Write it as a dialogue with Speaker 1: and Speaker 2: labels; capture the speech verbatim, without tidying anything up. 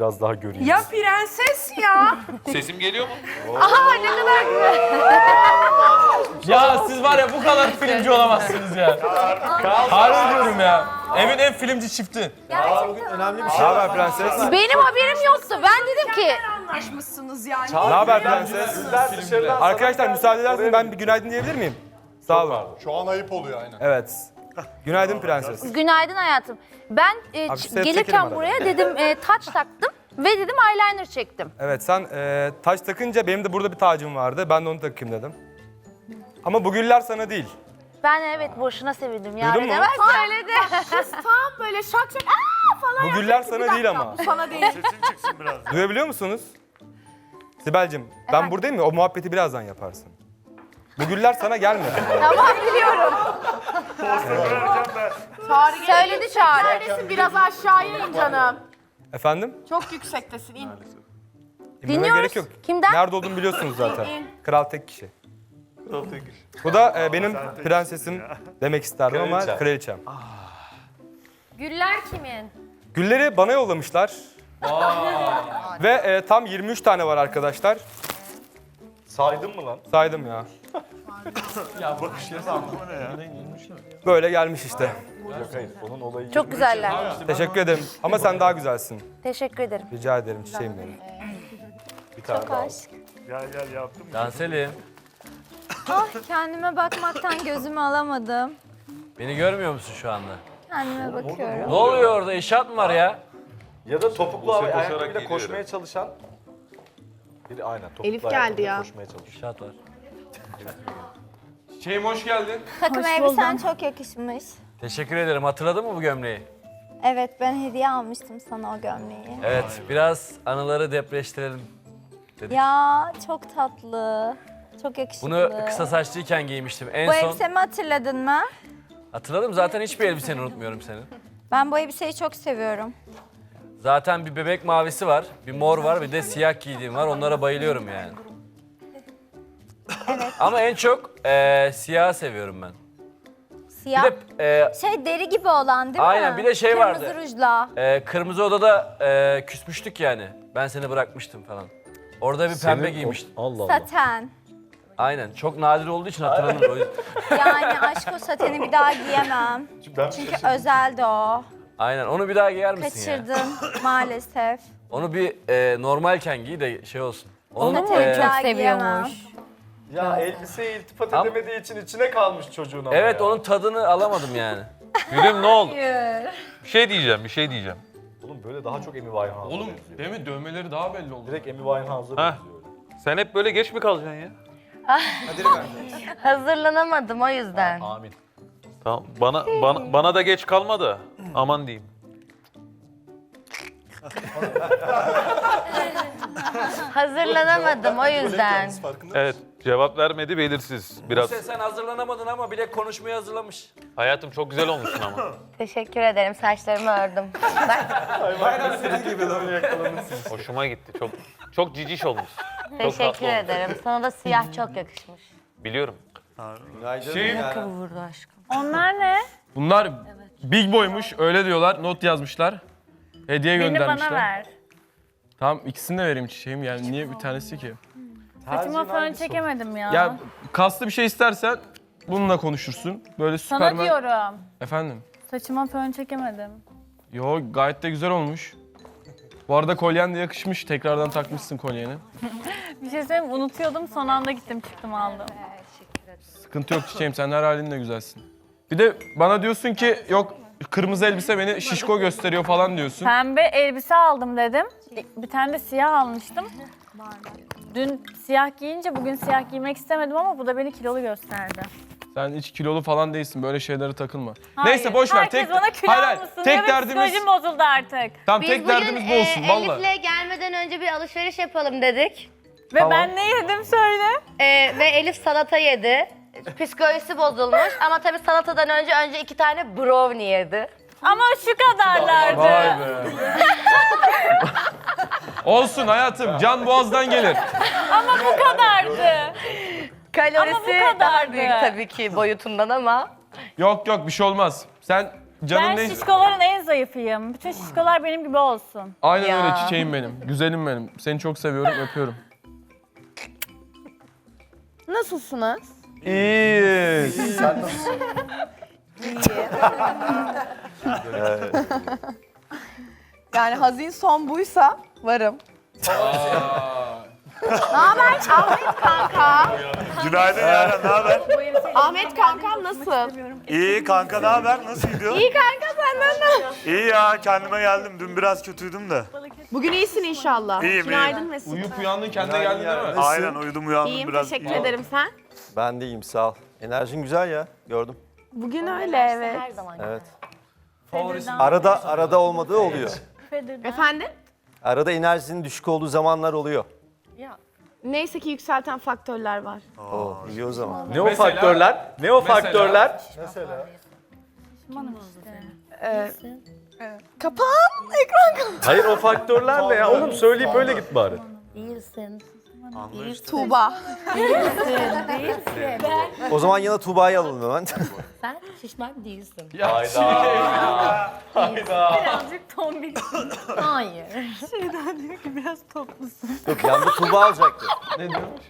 Speaker 1: biraz daha göreyim.
Speaker 2: Ya prenses ya.
Speaker 3: Sesim geliyor mu?
Speaker 2: Aha ne kadar güzel.
Speaker 4: Ya siz var ya bu kadar filmci olamazsınız ya. Harbi diyorum ya. Evin en filmci çifti.
Speaker 1: Bugün önemli bir şey var prenses.
Speaker 5: Benim haberim yoktu. Ben dedim ki
Speaker 2: Anlaşmışsınız yani.
Speaker 1: Ne haber prenses? Arkadaşlar müsaade ederseniz ben bir günaydın diyebilir miyim? Sağ olun.
Speaker 6: Şu an ayıp oluyor aynen.
Speaker 1: Evet. Günaydın prenses.
Speaker 5: günaydın hayatım. Ben e,
Speaker 1: Abi,
Speaker 5: ç-
Speaker 1: set çekelim
Speaker 5: gelirken
Speaker 1: arada.
Speaker 5: buraya dedim e, taç taktım ve dedim eyeliner çektim.
Speaker 1: Evet sen e, taç takınca benim de burada bir tacım vardı. Ben de onu takayım dedim. Ama bu güller sana değil.
Speaker 5: Ben evet boşuna sevindim ya.
Speaker 1: Duydun mu?
Speaker 5: Demez söyledi.
Speaker 2: Tam böyle şak şak aaa falan.
Speaker 1: Bu güller sana değil ama.
Speaker 2: Bu sana değil.
Speaker 1: Duyabiliyor musunuz? Sibel'cim ben buradayım ya o muhabbeti birazdan yaparsın. Bu güller sana gelmedi.
Speaker 5: Tamam biliyorum.
Speaker 2: Çağrı
Speaker 5: Söyledi Çağrı.
Speaker 2: Neredesin? Biraz aşağıya in canım.
Speaker 1: Efendim?
Speaker 2: Çok yüksektesin in.
Speaker 1: İnmeme
Speaker 5: Dinliyoruz.
Speaker 1: gerek yok.
Speaker 5: Kimden?
Speaker 1: Nerede olduğumu biliyorsunuz zaten.
Speaker 2: İn.
Speaker 1: Kral tek kişi. Bu da e, benim prensesim demek isterdim ama kraliçem.
Speaker 5: Güller kimin?
Speaker 1: Gülleri bana yollamışlar. Ve e, tam yirmi üç tane var arkadaşlar.
Speaker 6: Saydın mı lan?
Speaker 1: Saydım ya. Böyle gelmiş işte.
Speaker 6: Hayır, onun olayı.
Speaker 5: Çok güzeller.
Speaker 1: Teşekkür ederim. Ama sen daha güzelsin.
Speaker 5: Teşekkür ederim.
Speaker 1: Rica ederim çiçeğim benim.
Speaker 5: Çok aşk.
Speaker 6: Gel gel yaptım.
Speaker 4: Canselim,
Speaker 7: Ah kendime bakmaktan gözümü alamadım.
Speaker 4: beni görmüyor musun şu anda?
Speaker 7: Kendime bakıyorum.
Speaker 4: Ne oluyor orada? İnşaat mı var ya?
Speaker 6: Ya da topuklu
Speaker 3: Buse
Speaker 6: ayakkabıyla
Speaker 3: koşarak
Speaker 6: koşmaya
Speaker 3: geliyorum.
Speaker 6: çalışan. Biri aynen topuklu
Speaker 2: Elif geldi
Speaker 6: ayakkabıyla
Speaker 2: ya.
Speaker 6: koşmaya çalışıyor.
Speaker 4: İnşaat var.
Speaker 1: Çiçeğim hoş geldin.
Speaker 7: Takım elbisen çok yakışmış.
Speaker 4: Teşekkür ederim. Hatırladın mı bu gömleği?
Speaker 7: Evet ben hediye almıştım sana o gömleği.
Speaker 4: Evet, biraz anıları depreştirelim.
Speaker 7: Ya çok tatlı. Çok yakışıklı.
Speaker 4: Bunu kısa saçlıyken giymiştim. En
Speaker 7: Bu
Speaker 4: son
Speaker 7: elbisemi hatırladın mı?
Speaker 4: hatırladım. Zaten hiçbir elbiseni unutmuyorum senin.
Speaker 7: Ben bu elbiseyi çok seviyorum.
Speaker 4: Zaten bir bebek mavisi var, bir mor var, bir de siyah giydiğim var. Onlara bayılıyorum yani. Ama en çok e, siyahı seviyorum ben. Bir
Speaker 7: Siyah.
Speaker 4: de e,
Speaker 7: Şey deri gibi olan değil mi?
Speaker 4: Aynen, bir de şey vardı.
Speaker 7: Kırmızı rujla.
Speaker 4: e, Kırmızı Oda'da e, küsmüştük yani. Ben seni bırakmıştım falan. Orada bir pembe giymiştim.
Speaker 1: Allah
Speaker 7: Saten.
Speaker 4: Aynen, çok nadir olduğu için hatırlamıyorum. O yüzden-
Speaker 7: Yani aşk o sateni bir daha giyemem.
Speaker 6: Ben
Speaker 7: Çünkü özeldi o.
Speaker 4: Aynen, onu bir daha giyer misin ya?
Speaker 7: Kaçırdım maalesef.
Speaker 4: Onu bir e, normalken giy de şey olsun. Onun,
Speaker 7: Sateni
Speaker 4: e,
Speaker 7: bir daha giyemem.
Speaker 6: Ya elbiseye iltifat
Speaker 4: Am-
Speaker 6: edemediği için içine kalmış çocuğun ama
Speaker 4: evet,
Speaker 6: ya.
Speaker 4: onun tadını alamadım yani.
Speaker 3: Gülüm ne oldu? Bir şey diyeceğim, bir şey diyeceğim.
Speaker 6: Oğlum böyle daha çok Amy Winehouse'a
Speaker 4: Oğlum,
Speaker 6: benziyor.
Speaker 4: değil mi? Dövmeleri daha belli oldu.
Speaker 6: Direkt Amy Winehouse'a
Speaker 3: Ha.
Speaker 6: benziyor.
Speaker 3: Sen hep böyle geç mi kalacaksın ya?
Speaker 5: Hazırlanamadım o yüzden.
Speaker 6: Amin.
Speaker 3: Tamam, bana bana, bana da geç kalma da aman diyeyim.
Speaker 5: Hazırlanamadım o yüzden.
Speaker 3: Evet, cevap vermedi belirsiz biraz.
Speaker 4: Sen, sen hazırlanamadın ama bile konuşmayı hazırlamış.
Speaker 3: Hayatım çok güzel olmuşsun ama.
Speaker 5: Teşekkür ederim. Saçlarımı ördüm.
Speaker 3: Hoşuma gitti. Çok çok ciciş olmuş.
Speaker 5: Teşekkür
Speaker 3: tatlı olmuş.
Speaker 5: ederim. Sana da siyah çok yakışmış.
Speaker 3: Biliyorum.
Speaker 1: Şey,
Speaker 5: Vurdu aşkım.
Speaker 7: Onlar ne?
Speaker 4: Bunlar big boymuş, öyle diyorlar. Not yazmışlar. Hediye göndermişler.
Speaker 7: Bana ver.
Speaker 4: Tamam, ikisini de vereyim çiçeğim. Yani niye bir tanesi ki?
Speaker 7: Saçıma fön çekemedim ya.
Speaker 4: Ya kaslı bir şey istersen bununla konuşursun. Böyle
Speaker 7: Sana
Speaker 4: Süpermen...
Speaker 7: diyorum.
Speaker 4: Efendim?
Speaker 7: Saçıma fön çekemedim.
Speaker 4: Yo, gayet de güzel olmuş. Bu arada kolyen de yakışmış. Tekrardan takmışsın kolyeni.
Speaker 7: Bir şey söyleyeyim mi? Unutuyordum son anda gittim çıktım aldım.
Speaker 4: Sıkıntı yok çiçeğim, sen her halinle güzelsin. Bir de bana diyorsun ki yok kırmızı elbise beni şişko gösteriyor falan diyorsun.
Speaker 7: Pembe elbise aldım dedim. Bir tane de siyah almıştım. Dün siyah giyince bugün siyah giymek istemedim ama bu da beni kilolu gösterdi.
Speaker 4: Sen hiç kilolu falan değilsin, böyle şeylere takılma.
Speaker 7: Hayır,
Speaker 4: Neyse boş ver.
Speaker 7: Herkes
Speaker 4: Tek
Speaker 7: bana kilo
Speaker 4: hayır, hayır.
Speaker 7: almışsın
Speaker 4: Tek
Speaker 7: diyor ve
Speaker 4: derdimiz
Speaker 7: psikolojim bozuldu artık.
Speaker 4: Tamam,
Speaker 5: Biz
Speaker 4: tek
Speaker 5: bugün
Speaker 4: derdimiz bu
Speaker 5: e,
Speaker 4: olsun valla.
Speaker 5: Elif'le gelmeden önce bir alışveriş yapalım dedik.
Speaker 7: Ve
Speaker 4: Tamam.
Speaker 7: ben ne yedim söyle.
Speaker 5: E, ve Elif salata yedi. Psikolojisi bozulmuş ama tabii salatadan önce önce iki tane brownie yedi.
Speaker 7: Ama şu kadarlardı.
Speaker 4: Vay be. Olsun hayatım, can boğazdan gelir.
Speaker 7: Ama bu kadardı.
Speaker 5: Kalorisi
Speaker 7: Ama bu kadardı.
Speaker 5: daha büyük tabii ki boyutundan ama.
Speaker 4: Yok yok, bir şey olmaz. Sen canın
Speaker 7: Ben
Speaker 4: ne?
Speaker 7: şişkoların en zayıfıyım. Bütün şişkolar benim gibi olsun.
Speaker 4: Aynen
Speaker 5: Ya.
Speaker 4: öyle çiçeğim benim. Güzelim benim. Seni çok seviyorum, öpüyorum.
Speaker 2: Nasılsınız?
Speaker 4: İyi.
Speaker 6: Sen nasılsın?
Speaker 2: Yani hazin son buysa varım. Ne haber Ahmet kanka?
Speaker 8: Günaydın Yaren, ne haber?
Speaker 2: Ahmet kankam nasıl?
Speaker 8: İyi kanka, ne haber? Nasıl gidiyor?
Speaker 2: İyi kanka senden ne?
Speaker 8: İyi ya, kendime geldim. Dün biraz kötüydüm de.
Speaker 2: Bugün iyisin inşallah.
Speaker 8: İyiyim,
Speaker 2: Günaydın Mesut.
Speaker 4: Uyuyup uyandın kendine geldin değil mi?
Speaker 8: Aynen uyudum uyandım
Speaker 2: İyiyim
Speaker 8: biraz.
Speaker 2: teşekkür ederim sen.
Speaker 6: Ben de iyiyim sağ ol. Enerjin güzel ya gördüm.
Speaker 2: Bugün öyle evet.
Speaker 5: Her zaman.
Speaker 6: Evet.
Speaker 1: Favorisi.
Speaker 6: Arada arada olmadığı oluyor.
Speaker 2: Efendim?
Speaker 6: Arada enerjinin düşük olduğu zamanlar oluyor.
Speaker 2: Neyse ki yükselten faktörler var.
Speaker 6: Oo, iyi o zaman.
Speaker 3: Ne o
Speaker 4: Mesela-
Speaker 3: faktörler? Ne o
Speaker 4: Mesela-
Speaker 3: faktörler?
Speaker 6: Mesela?
Speaker 2: Ee, kapan ekran kapan.
Speaker 3: Hayır o faktörler ne ya? Oğlum söyleyip öyle git bari.
Speaker 5: Değilsin.
Speaker 2: Tuğba.
Speaker 6: O zaman yana Tuğba'yı alalım hemen.
Speaker 5: Sen şişman değilsin.
Speaker 4: Ya,
Speaker 7: Birazcık tombik.
Speaker 5: Hayır.
Speaker 7: Şeyden diyor ki biraz toplusun.
Speaker 6: Yok yanında Tuğba alacaktı.
Speaker 4: ne diyormuş?